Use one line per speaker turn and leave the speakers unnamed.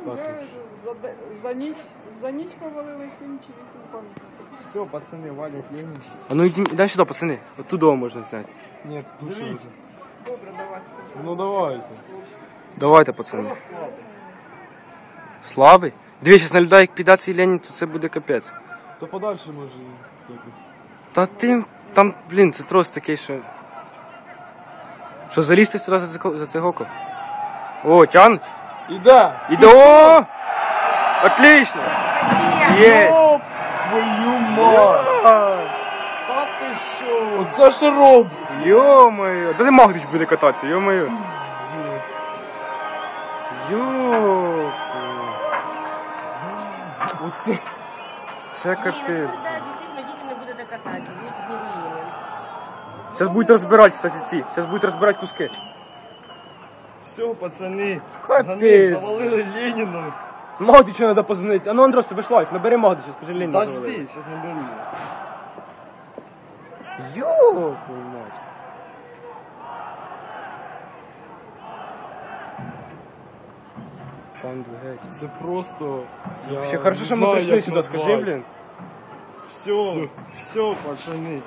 Так.
За ніч повалили 7 чи 8 пам'ятників.
Все, пацаны, валят Ленин.
А ну іди сюди, пацани. От туди можна зняти.
Нет, лучше уже.
Добре, давай.
Ну давайте.
Давайте, пацани. Слави? Дві, зараз на людей, як піде цей Ленін, то це буде капець.
То подальше може якось.
Та ти, там, блін, це трос такий, що... Що, залізти сюди за цей гоков? О, тянуть?
Іде!
Іде, о! Отлично! Є!
Оп, твою мать! Та ти що? Оце що робить?
Йо-моє! Та не Магдич буде кататися, йо-моє!
Пиздец.
Йо!
Оце.
Це капець.
Да, действительно, детям будут катать, будут не руины.
Зараз будуть розбирати, кстати, ці. Зараз будуть розбирати куски.
Все, пацаны.
Капець.
Ганы завалили Ленина.
Магдичу треба позвонити. А ну, Андрос, тебе ж лайф, набери Магдича, скажи Леніну.
Подожди, сейчас наберу.
Йо, твою мать. Пан Дугеть.
Це просто...
Вообще, хорошо, що ми прийшли сюди, скажи, блін.
Все, все, пацаны.